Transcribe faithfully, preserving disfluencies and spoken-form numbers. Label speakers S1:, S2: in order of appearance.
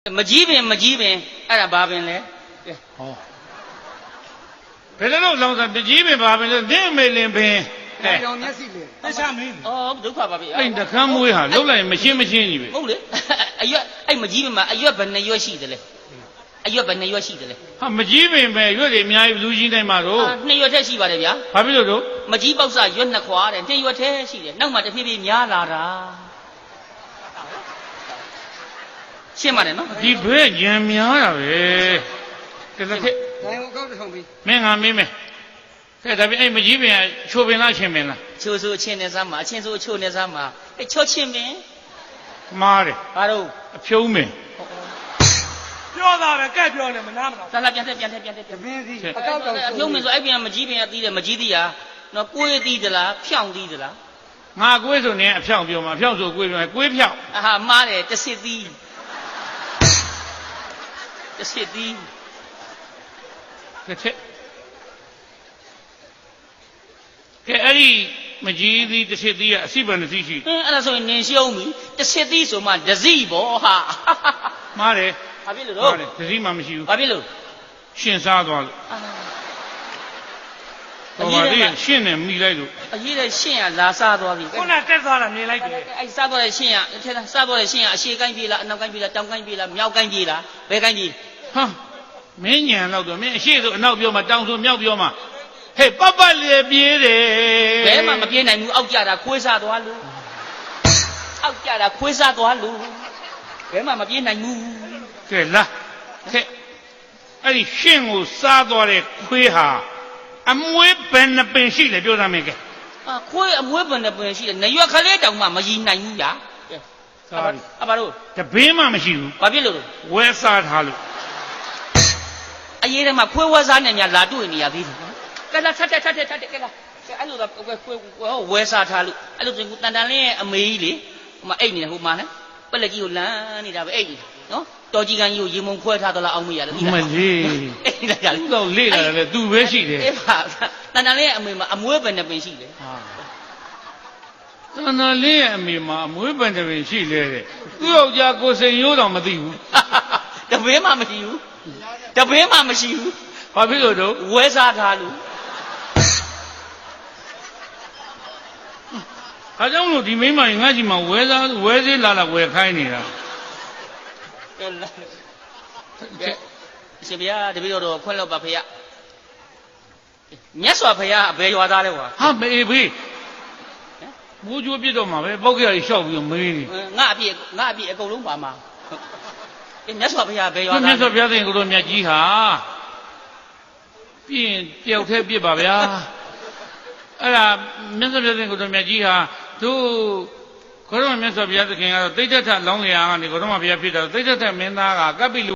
S1: မကြီးပင်မကြီးပင်အဲ့ဒါဘာပင်လဲဟော
S2: ဘယ်လိုလောင်စားမကြီးပင်ဘာပင်လဲနင့်မေလင်ပင်
S3: အဲပြောင်မျက်စိလေ
S1: တခြားမင်းဩဒုက္ခပါပြီ
S2: အဲ့တခမ်းမွေးဟာလှုပ်လိုက်မရှင်းမရှင်းကြီးပဲ
S1: ဟုတ်လေအရွက်အဲ့မကြီးပင်မှာအရွက်ဘယ်နှရွက်ရှိတယ်လဲအရွက်ဘယ်နှရွက်ရှိတယ်လဲ
S2: ဟာမကြီးပင်ပဲရွက်တွေအများကြီးလူကြီးတိုင်းမှာတော့
S1: နှစ်ရွက်ထက်ရှိပါတယ်ဗျာ
S2: ဘာဖြစ်လို့တော့
S1: မကြီးပေါက်စားရွက်နှစ်ခွာတဲ့နှစ်ရွက်ထဲရှိတယ်နောက်မှတဖြည်းဖြည်းများလာတာရှင်းပါတယ်နော်
S2: ဒီဘဲညံများတာပဲကဲလက်ထက်
S3: နိုင်အောင်ကောက်ထောင်ပြီ
S2: မင်းငါမင်းမယ်ကဲဒါပြင်အဲ့မကြီးပင်ချိုပင်လားချင်းပင်လား
S1: ချိုဆိုအချင်းနဲ့စားမှာအချင်းဆိုအချိုနဲ့စားမှာအဲ့ချောချင်းပင်
S2: မားတယ်
S1: ဘာတော့
S2: အဖြုံးပင်
S3: ပြောတာပဲကဲပြောနေမနာမနာ
S1: လာလာပြန်တက်ပြန်တက်ပြန်တက်
S3: တပင်းစီအကောက်တောင်
S1: အဖြုံးပင်ဆိုအဲ့ပြင်မကြီးပင်ကသီးတယ်မကြီးသီးရနော်ကိုယ်သီးသလားဖြောင်းသီးသလား
S2: ငါကိုယ်ဆိုနေအဖြောင်းပြောမှာအဖြောင်းဆိုကိုယ်ပြောကိုယ်ဖြောင်း
S1: အာဟာမားတယ်တစ်စစ်သီးတစ်စစ်သီး
S2: တစ်ထက်ကဲအဲ့ဒီမကြီးသီးတစ်စစ်သီးကအစိပန်တစ်စီးရှိ
S1: အင်းအဲ့ဒါဆိုရင်နင်ရှုံးပြီတစ်စစ်သီးဆိုမှဒစီပေါ့ဟာ
S2: မားတယ်
S1: ဘာဖြစ်လို့တော့
S2: မားတယ်ဒစီမှမရှိဘူး
S1: ဘာဖြစ်လို့
S2: ရှင်စားသွားလို့ဟောပါလေရှင်းနေမိလိုက်လို့
S1: အရေးတဲ့ရှင်းရလာစားသွားပြီ
S3: ခုနတက်သွားတာမြင်လိုက်တယ်
S1: အဲ့စားသွားတဲ့ရှင်းရထဲစားသွားတဲ့ရှင်းရအရှေ့ကိုင်းပြေးလားအနောက်ကိုင်းပြေးလားတောင်ကိုင်းပြေးလားမြောက်ကိုင်းပြေးလားဘယ်ကိုင်းပြေး
S2: ဟာမင်းညံတော့တော့မင်းအရှိဆိုအနောက်ပြောမှတောင်ဆိုမြောက်ပြောမှဟဲ့ပပလေပြေးတယ်
S1: ဘယ်မှမပြေးနိုင်ဘူးအောက်ကြတာခွေးစားသွားလို့အောက်ကြတာခွေးစားသွားလို့ဘယ်မှမပြေးနိုင်ဘူး
S2: ကဲလာကဲအဲ့ဒီရှင်းကိုစားသွားတဲ့ခွေးဟာအမွေးဘယ်နှပင်ရှိလဲပြောသားမင်းကဲ
S1: အာခွေးအမွေးဘယ်နှပင်ရှိလဲနရွက်ခလေးတောင်မှမရည်နိုင်ဘူးညာကဲ
S2: စားပြီ
S1: အပါတို့
S2: တပင်းမှမရှိဘူး
S1: ဘာဖြစ်လို့
S2: ဝဲစားထားလို့
S1: အရေးထဲမှာခွေးဝဲစားနေများလာတွေ့နေရသေးတယ်ကဲလာထက်ထက်ထက်ထက်ထက်ကဲလာအဲ့လိုတော့ခွေးဝဲစားထားလို့အဲ့လိုဆိုတန်တန်လေးရဲ့အမေကြီးလေဟိုမှာအိတ်နေတယ်ဟိုမှာလဲပလက်ကြီးကိုလမ်းနေတာပဲအိတ်နေနော်တော်ကြီးကန်းကြီးကိုရေမုံခွဲထားသလားအောင်မရလို့
S2: ဒီမလေး
S1: အိတ်လာကြ
S2: သူ့တော့လေ့လာတယ်သူပဲရှိတယ်
S1: အေးပါတန်တန်လေးရဲ့အမေမှာအမွေးပဲနဲ့ပင်ရှိတယ်
S2: ဟာတန်တန်လေးရဲ့အမေမှာအမွေးပဲနဲ့ပင်ရှိလေတဲ့သူ့ယောက်ျားကိုစိန်ရိုးတော်မသိဘူး
S1: တပင်းမှမရှိဘူးတပင်းမှမရှိဘူး
S2: ဘာဖြစ်လို့တော့
S1: ဝဲစားထားလို့
S2: ဒါကြောင့်လို့ဒီမိမငါ့ကြီးမှာဝဲစားဝဲစေးလာလာဝဲခိုင်းနေတာ
S1: ကဲရှင်ဗျာတပည့်တော်ခွင့်လို့ပါဖေရမြတ်စွာဘုရားအဘယ်ရွာသားလဲကွာ
S2: ဟာမေးဖေးမိုးကြိုးပြစ်တော့မှာပဲပောက်ကြရလျှောက်ပြီးမေးနေ
S1: ငါအပြည့်ငါအပြည့်အကုန်လုံးပါမှာအေးမြတ်စွာဘုရားဘယ်ရွာသား
S2: မြတ်စွာဘုရားသခင်ကိုတော်မြတ်ကြီးဟာပြင်းတယောက်တည်းပြစ်ပါဗျာအဲ့ဒါမြတ်စွာဘုရားသခင်ကိုတော်မြတ်ကြီးဟာသူခေါရမမြတ်စွာဘုရားသခင်ကတော့တိဋ္ဌထလောင်းလျာကနေခေါရမဘုရားဖြစ်တာတိဋ္ဌထမင်းသားကကပ္ပိလူ